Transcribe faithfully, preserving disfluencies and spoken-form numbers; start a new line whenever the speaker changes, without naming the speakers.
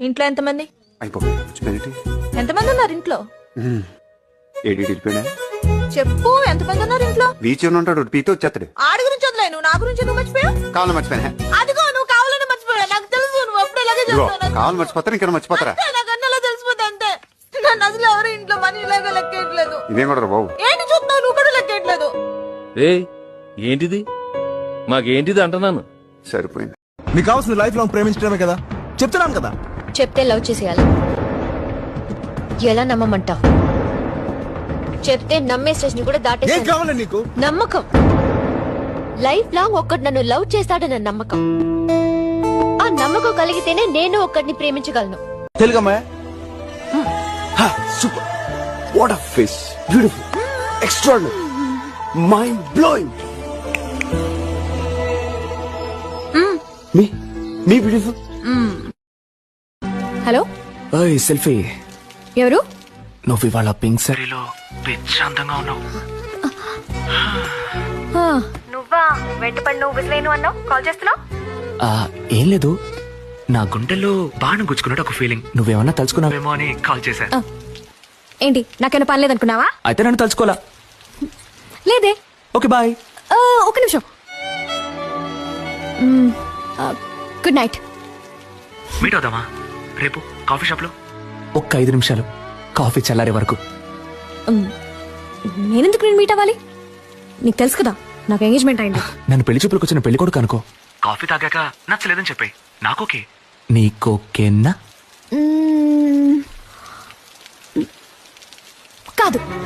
ఇంట్లో ఎంతమంది?
అయిపోయింది.
ఎంతమంది ఉన్నారు ఇంట్లో?
ఏడి వెళ్ళిపోయినా
చెప్పు, ఎంతమంది ఉన్నారు ఇంట్లో?
బీచ్ ఉంటాడు, పీతో వచ్చేస్తాడు.
ఆడి గురించి వదిలే, నువ్వు నా గురించి నువ్వు మర్చిపోయావు.
కావాలి మర్చిపోయినా.
అదిగో నువ్వు కావాలని మర్చిపోయావు, నాకు తెలుసు. నువ్వు అప్పుడు ఇలాగే చేస్తావు.
కావాలి మర్చిపోతారు, ఇంకా మర్చిపోతారా?
నాకు అన్నలా తెలిసిపోతే అంతే. నన్ను అసలు ఎవరు ఇంట్లో మనీ ఇలాగా లెక్కేయట్లేదు.
ఇదేం కూడా బాబు,
ఏంటి చూస్తున్నావు? నువ్వు కూడా లెక్కేయట్లేదు.
ఏ ఏంటిది? మాకేంటిది అంటున్నాను.
సరిపోయింది.
నీకు కావాల్సిన లైఫ్ లాంగ్ ప్రేమించడమే కదా, చెప్తున్నాను కదా.
చెప్తే లవ్ చేసేయాలి. ఎలా నమ్మమంటావు? చెప్తే నమ్మే స్టేషన్ కూడా
ఏం
దాటేసాను.
కావాలి నీకు?
నమ్మకం. లైఫ్ లాంగ్ ఒక్కడు నన్ను లవ్ చేస్తాడన్న నమ్మకం. ఆ నమ్మకం కలిగితేనే నేను ఒక్కడిని ప్రేమించగలను.
తెలుగమ్మా. Super. What a face, beautiful, extraordinary, mind blowing. మీ మీ బ్యూటిఫుల్.
హలో,
ఓయ్ సెల్ఫీ.
ఎవరు?
నువ్వు ఇవాళ పింక్ సారీలో ప్రశాంతంగా ఉన్నావు.
నువ్వా? వెంటపడి నువ్వు విసిలేను అన్నావు, కాల్ చేస్తున్నావు?
ఏం లేదు, నా గుండెల్లో బాణం గుచ్చుకున్నట్టు ఒక ఫీలింగ్. నువ్వేమన్నా తలుచుకున్నావేమో అని కాల్ చేశా.
ఏంటి, నాకేమైనా పని లేదనుకున్నావా?
అయితే నన్ను తలుచుకోలా.
లేదే.
Okay bye.
ఒక నిమిషం. Good night.
మీట్ అవుదామా రేపు కాఫీ షాప్ లో? ఒక్క ఐదు నిమిషాలు, కాఫీ చల్లారే వరకు.
నేనెందుకు నేను మీట్ అవ్వాలి? నీకు తెలుసు కదా నాకు ఎంగేజ్మెంట్ అయింది.
నన్ను పెళ్లి చూపులకు వచ్చిన పెళ్లి కొడుకు అనుకో. కాఫీ తాగాక నచ్చలేదని చెప్పే, నాకోకే. నీకోకేనా?
కాదు.